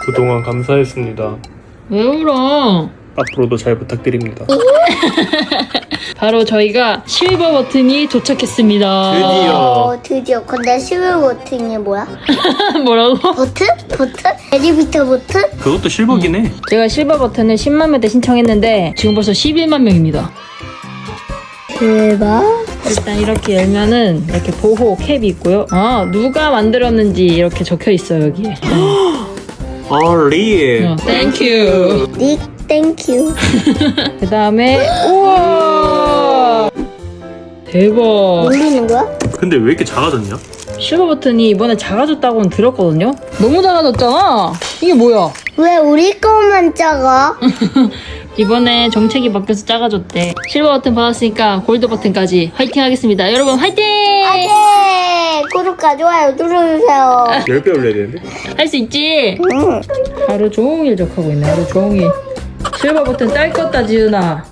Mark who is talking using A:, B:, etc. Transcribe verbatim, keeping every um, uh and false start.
A: 그동안 감사했습니다.
B: 왜 울어?
A: 앞으로도 잘 부탁드립니다.
B: 바로 저희가 실버 버튼이 도착했습니다.
A: 드디어.
C: 어, 드디어. 근데 실버 버튼이 뭐야?
B: 뭐라고?
C: 버튼? 버튼? 엘리베이터 버튼?
A: 그것도 실버긴 해.
B: 제가 실버 버튼을 십만 명대 신청했는데 지금 벌써 십일만 명입니다.
C: 대박.
B: 일단 이렇게 열면은 이렇게 보호 캡이 있고요. 아, 누가 만들었는지 이렇게 적혀 있어요, 여기에.
A: 어, 리.
B: 어, 땡큐.
C: 닉 땡큐.
B: 그 다음에 우와 대박.
C: 모르는 거야?
A: 근데 왜 이렇게 작아졌냐?
B: 실버 버튼이 이번에 작아졌다고는 들었거든요. 너무 작아졌잖아. 이게 뭐야?
C: 왜 우리 거만 작아?
B: 이번에 정책이 바뀌어서 작아졌대. 실버 버튼 받았으니까 골드 버튼까지 화이팅 하겠습니다. 여러분 화이팅!
C: 네, 구독과 좋아요 눌러주세요.
A: 열 배 올려야 되는데?
B: 할 수 있지?
C: 응.
B: 하루 종일 적하고 있네. 하루 종일. 실버 버튼 딸 껐다 지은아.